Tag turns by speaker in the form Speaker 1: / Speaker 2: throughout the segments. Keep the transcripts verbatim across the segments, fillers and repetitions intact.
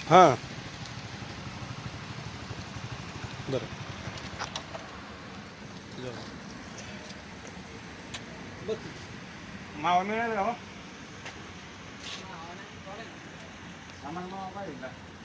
Speaker 1: हां बरं
Speaker 2: मावा मिळेल का हो? आम्हाला मावा पाहिजे का?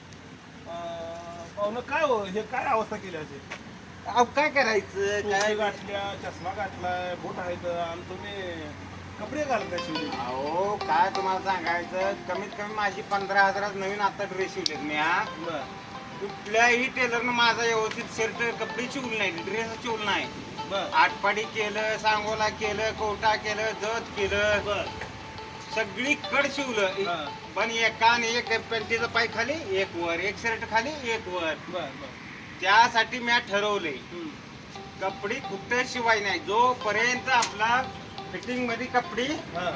Speaker 1: पाहुणं काय हो हे काय अवस्था केली अशी
Speaker 2: अहो काय करायचं
Speaker 1: काय
Speaker 2: काय
Speaker 1: गाठल्या चष्मा गाठलाय बोट आहेत आणि तुम्ही कपडे घालत नाही शिवले
Speaker 2: अहो काय तुम्हाला सांगायचं कमीत कमी माझी पंधरा हजारात नवीन आता ड्रेस शिवलेत मी हा
Speaker 1: बर
Speaker 2: कुठल्याही टेलरनं माझा व्यवस्थित शर्ट कपडे शिवले नाही ड्रेस शिवलं नाही
Speaker 1: बर
Speaker 2: आटपाडी केलं सांगोला केलं कोटा केलं जत केलं
Speaker 1: बर
Speaker 2: सगळी कड शिवलं
Speaker 1: हा.
Speaker 2: पण एका आणि एक पॅन्टीचा पाय खाली एक वर एक शर्ट खाली एक वर
Speaker 1: बर बर
Speaker 2: त्यासाठी मी ठरवलंय
Speaker 1: हम्म.
Speaker 2: कपडे कुठं शिवाय नाही जोपर्यंत आपला फिटिंग मध्ये कपडे
Speaker 1: हा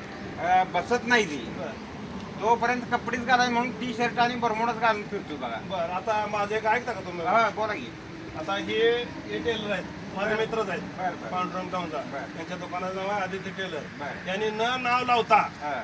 Speaker 2: अं, बसत नाही ती
Speaker 1: बर
Speaker 2: तोपर्यंत कपडेच घालाय म्हणून टी शर्ट आणि बरमोडच घालून फिरतो बघा
Speaker 1: बर आता माझे एक ऐकता का तुम्ही
Speaker 2: हा बोला की
Speaker 1: आता हे हे टेलर आहेत माझे मित्रच आहेत
Speaker 2: बर बर
Speaker 1: पांडुरंग टाऊनचा
Speaker 2: बर.
Speaker 1: त्यांच्या दुकानाचं नाव आहे आदित्य टेलर
Speaker 2: बर.
Speaker 1: यांनी न नाव लावता
Speaker 2: हा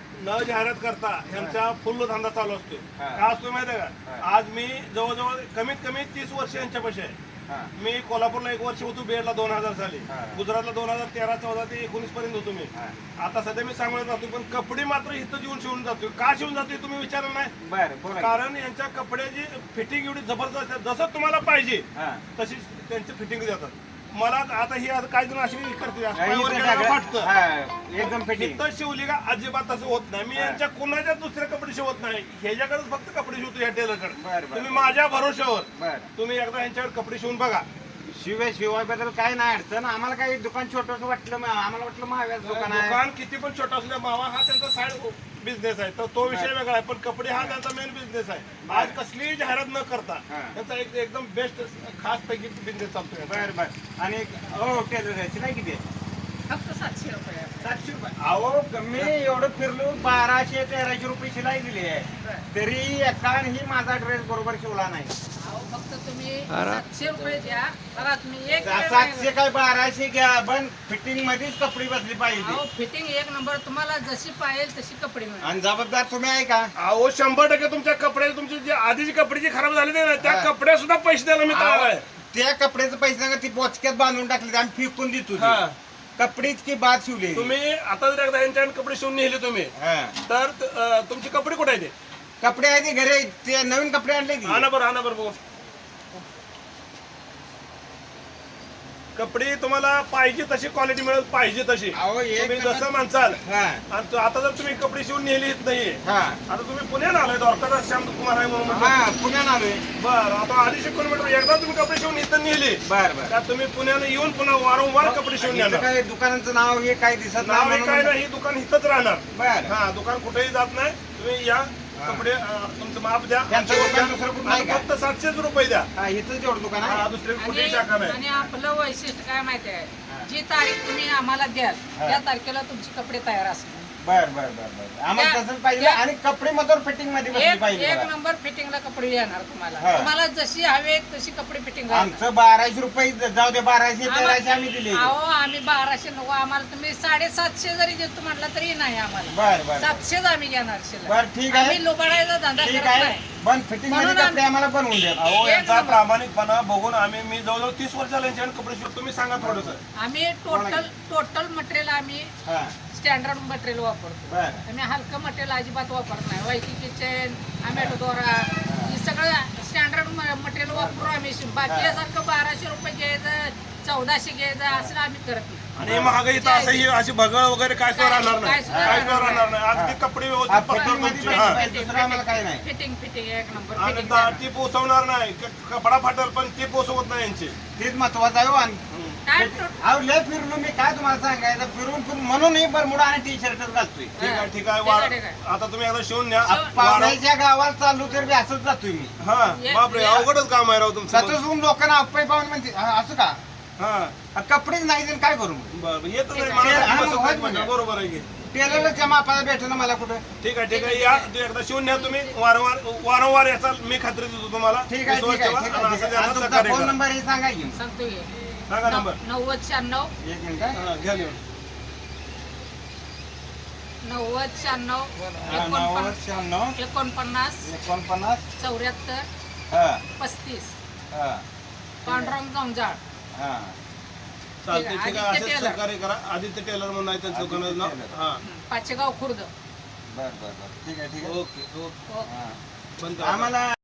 Speaker 1: न जाहिरात करता यांचा फुल्ल धंदा चालू असतो
Speaker 2: हा.
Speaker 1: का असतो माहिती आहे का
Speaker 2: हा.
Speaker 1: आज मी जवळजवळ कमीत कमी तीस वर्ष यांच्यापाशी आहे
Speaker 2: हा
Speaker 1: मी कोल्हापूरला एक वर्ष होतो बीएडला दोन हजार साली
Speaker 2: हा.
Speaker 1: गुजरातला दोन हजार तेरा चौदा ते एकोणीस पर्यंत होतो मी
Speaker 2: हा.
Speaker 1: आता सध्या मी सांगण्यात जातो पण कपडे मात्र इथं येऊन शिवून जातो का शिवून जातोय तुम्ही विचारलं नाही
Speaker 2: बर बोला की.
Speaker 1: कारण यांच्या कपड्याची फिटिंग एवढी जबरदस्त आहे जसं तुम्हाला पाहिजे
Speaker 2: हा
Speaker 1: तशी त्यांची फिटिंग देतात मला आता ही आता काही जण अशी करते
Speaker 2: हा,
Speaker 1: पायावर
Speaker 2: इथं
Speaker 1: गेल्यावर
Speaker 2: सगळं-
Speaker 1: फाटतं.
Speaker 2: हा, एकदम फिटिंग
Speaker 1: इथं शिवली का अजिबात तसं होत नाही मी
Speaker 2: हा.
Speaker 1: यांच्या कोणाच्या दुसरे कपडे शिवत नाही ह्याच्याकडेच फक्त कपडे शिवतो या टेलरकडे
Speaker 2: बर, बर.
Speaker 1: तुम्ही माझ्या भरोश्यावर
Speaker 2: बर
Speaker 1: तुम्ही एकदा यांच्याकडे कपडे शिवून बघा
Speaker 2: शिवाय शिवायबद्दल काय नाही अडचण आम्हाला काही दुकान छोटस वाटलं मग आम्हाला वाटलं महाव्याच दुकान आहे
Speaker 1: दुकान किती पण छोटा असल्या मावा हा त्यांचा साईड बिझनेस आहे तर तो विषय वेगळा आहे पण कपडे हा त्यांचा मेन बिझनेस आहे आज कसलीही जाहिरात न करता
Speaker 2: हा.
Speaker 1: त्यांचा एक एकदम बेस्ट खास पैकी बिझनेस चालतोय
Speaker 2: बर बर आणि हो टेलर याची नाही किती आहे?
Speaker 3: फक्त सातशे रुपये
Speaker 2: सातशे रुपये अहो मी एवढं फिरलो बाराशे तेराशे रुपये शिलाई दिली आहे
Speaker 3: बरं.
Speaker 2: तरी एकाही माझा ड्रेस बरोबर शिवला नाही
Speaker 3: अहो फक्त तुम्ही सातशे रुपये द्या बघा तुम्ही एक वेळ
Speaker 2: सातशे
Speaker 3: नाही-
Speaker 2: काय बाराशे घ्या पण फिटिंग मध्येच कपडे बसली
Speaker 3: अहो
Speaker 2: पाहिजे
Speaker 3: फिटिंग एक नंबर तुम्हाला जशी पाहिजे तशी कपडे मिळेल
Speaker 2: आणि जबाबदार तुम्ही आहे का
Speaker 1: अहो शंभर टक्के तुमच्या कपडे तुमची जी आधीची कपडे जी खराब झाली ना त्या
Speaker 2: हा.
Speaker 1: कपड्या सुद्धा पैसे द्यायला मी तयार आहे
Speaker 2: त्या कपड्याचे पैसे नका ती बोचक्यात बांधून टाकले आम्ही फेकून देतो ते.
Speaker 1: हा.
Speaker 2: कपडेच की बाद शिवले
Speaker 1: तुम्ही आता जर एकदा यांच्याकडे कपडे शिवून नेले तुम्ही
Speaker 2: हा.
Speaker 1: तर अं, तुमचे कपडे कुठे आहेत ते?
Speaker 2: कपडे आहे ते घरी ते नवीन कपडे आणले की
Speaker 1: आणा बरं आणा बरं बघू कपडे तुम्हाला पाहिजे तशी क्वालिटी मिळेल पाहिजे तशी
Speaker 2: अहो एक
Speaker 1: तुम्ही
Speaker 2: नंबर-
Speaker 1: जसं म्हणसाल
Speaker 2: हा
Speaker 1: आणि तो- आता जर तुम्ही कपडे शिवून नेली नाहीये
Speaker 2: हा
Speaker 1: आता तुम्ही पुण्यात आलाय डॉक्टर श्याम कुमार आहे म्हणून म्हटलं.
Speaker 2: हा पुण्यात आलोय
Speaker 1: बरं आता अडीचशे किलोमीटर एकदा तुम्ही कपडे शिवून इथं नेले
Speaker 2: बर बर
Speaker 1: त्यात तुम्ही पुण्याला येऊन पुन्हा वारंवार कपडे शिवून
Speaker 2: इथं
Speaker 1: येणार
Speaker 2: काय दुकानाचं नाव हे काय दिसत
Speaker 1: नाव हे
Speaker 2: नाही
Speaker 1: काय
Speaker 2: म्हणून-
Speaker 1: नाही दुकान इथंच राहणार
Speaker 2: बर
Speaker 1: हा दुकान कुठेही जात नाही तुम्ही या कपडे अं, तुमचं माप द्या
Speaker 2: त्यांचं दुकान दुसरं कुठं नाही
Speaker 1: आणि
Speaker 2: का?
Speaker 1: फक्त सातशेच रुपये द्या
Speaker 2: हा इथंच एवढं दुकान
Speaker 1: हा,
Speaker 2: आहे
Speaker 1: दुसरी कुठेही शाखा
Speaker 3: आणि
Speaker 1: नाही
Speaker 3: आणि आपलं वैशिष्ट्य काय माहिती
Speaker 2: हा.
Speaker 3: आहे जी तारीख तुम्ही आम्हाला द्याल
Speaker 2: हा.
Speaker 3: त्या तारखेला तुमचे कपडे तयार असतील
Speaker 2: बर बर बर बर आम्हाला
Speaker 3: त्या-
Speaker 2: तसंच पाहिजे
Speaker 3: त्या-
Speaker 2: आणि कपडे मधून फिटिंग मध्ये बसली
Speaker 3: एक
Speaker 2: पाहिजे
Speaker 3: एक
Speaker 2: बघा.
Speaker 3: नंबर फिटिंगला कपडे येणार तुम्हाला
Speaker 2: हा.
Speaker 3: तुम्हाला जशी हवे तशी कपडे फिटिंग
Speaker 2: आमचं बाराशे रुपये जाऊ दे बाराशे तेराशे आम्ही दिले
Speaker 3: अहो आम्ही बाराशे नको आम्हाला तुम्ही साडेसातशे जरी देतो म्हटलं तरी नाही आम्हाला
Speaker 2: बर बर
Speaker 3: सातशेच आम्ही घेणार शिल्लक.
Speaker 2: बर ठीक आहे
Speaker 3: आम्ही लोबाडायचा धंदा
Speaker 2: ठीक
Speaker 3: करत
Speaker 2: आहे
Speaker 3: नाही
Speaker 2: पण फिटिंग मध्ये
Speaker 3: म्हणून
Speaker 2: कपडे आम्हाला बनवून द्या
Speaker 1: अहो
Speaker 3: एक
Speaker 1: यांचा
Speaker 3: नंबर.
Speaker 1: प्रामाणिकपणा बघून आम्ही मी जवळजवळ तीस वर्षाला यांच्याकडे कपडे शिवतो तुम्ही सांगा थोडस
Speaker 3: आम्ही टोटल टोटल मटेरियल आम्ही
Speaker 2: हा
Speaker 3: स्टँडर्ड मटेरियल वापरतो
Speaker 2: बर
Speaker 3: आम्ही हलकं मटेरियल अजिबात वापरत नाही वायकी किचन आंबेडो दोरा हे सगळं स्टँडर्ड मटेरियल वापरून आम्ही शिव- बाकी यासारखं बाराशे रुपये घ्यायचं चौदाशे घ्यायचं असं आम्ही करत नाही.
Speaker 1: आणि महागाई तर असं ही अशी भगळ वगैरे काय सुद्धा राहणार नाही
Speaker 3: काय सुद्धा
Speaker 1: काय सुद्धा
Speaker 3: राहणार
Speaker 1: राहणार नाही अगदी कपडे
Speaker 2: हा,
Speaker 1: व्यवस्थित
Speaker 2: फिटिंग
Speaker 1: पकडून
Speaker 2: मध्ये
Speaker 1: तुमचे.
Speaker 2: पाहिजे,
Speaker 1: हा.
Speaker 2: पाहिजे. दुसरं आम्हाला काही नाही.
Speaker 3: फिटिंग फिटिंग एक नंबर
Speaker 1: आणि
Speaker 3: फिटिंग
Speaker 1: दा- ती पोचवणार नाही क- कपडा फाटल पण ती पोचवत नाही यांची
Speaker 2: तेच महत्वाचं आहे हो. आणि
Speaker 3: काय टो-
Speaker 2: अहो लय फिरलो मी काय तुम्हाला सांगायचं फिरून फिरून म्हणून बरमुडा आणि टी शर्टच घालतोय
Speaker 1: ठीक आहे ठीक आहे
Speaker 3: ठीक
Speaker 1: वार
Speaker 3: आहे, ठीक आहे.
Speaker 1: आता तुम्ही एकदा शिवून न्या
Speaker 3: शिवून-
Speaker 1: वार-
Speaker 2: पाहुण्याच्या गावात चाललो तर बी असंच जातोय मी
Speaker 1: हा
Speaker 3: ये-
Speaker 1: बापरे
Speaker 3: ये-
Speaker 1: अवघडच काम आहे राव तुमचं
Speaker 2: सतत लोकांना अप्पाई पाहून म्हणते "हा, असं का
Speaker 1: हा
Speaker 2: हा, कपडेच नाही तर काय करू
Speaker 1: बरं येत नाही
Speaker 3: ठीक आहे.
Speaker 1: मला
Speaker 2: हा,
Speaker 1: बसत
Speaker 2: होत
Speaker 1: नाही
Speaker 2: म्हणजे.
Speaker 1: म्हणजे. बरोबर आहे की
Speaker 2: टेलरच्या मापाला भेटलं मला कुठं
Speaker 1: ठीक आहे ठीक आहे या तू एकदा शिवून न्या तुम्ही वारंवार वारंवार याचा मी खात्री देतो तुम्हाला
Speaker 2: ठीक आहे
Speaker 1: विश्वास
Speaker 2: ठीक आहे
Speaker 1: ठेवा
Speaker 2: ठीक
Speaker 1: आणि
Speaker 2: आहे,
Speaker 1: असं
Speaker 2: ठीक आहे
Speaker 1: ज्यांना
Speaker 2: आणि तुमचा
Speaker 1: सहकार्य
Speaker 2: फोन
Speaker 1: करा.
Speaker 2: नंबर हे सांगा की
Speaker 3: सांगतो की.
Speaker 1: सांगा नंबर
Speaker 3: नव्वद शहाण्णव
Speaker 2: एक मिनिट हा.
Speaker 1: हा, घ्या लिहून
Speaker 3: नव्वद शहाण्णव
Speaker 2: हा, नव्वद शहाण्णव
Speaker 3: एकोणपन्नास
Speaker 2: एकोणपन्नास
Speaker 3: चौऱ्याहत्तर
Speaker 2: हा
Speaker 3: पस्तीस
Speaker 2: हा
Speaker 3: पांडुरंग जंजाळ
Speaker 2: हा
Speaker 1: चालते ठीक आहे
Speaker 3: आदित्य
Speaker 1: असंच
Speaker 3: टेलर.
Speaker 1: सहकार्य करा आदित्य टेलर म्हणून आहे त्यांचं
Speaker 2: आदित्य
Speaker 1: दुकानाचं नाव
Speaker 2: टेलर.
Speaker 1: हा
Speaker 3: पाचेगाव खुर्द
Speaker 2: बर बर बर ठीक आहे ठीक आहे
Speaker 1: ओके ओके
Speaker 3: हो.
Speaker 2: हा.
Speaker 1: बंद करा.
Speaker 2: आम्हाला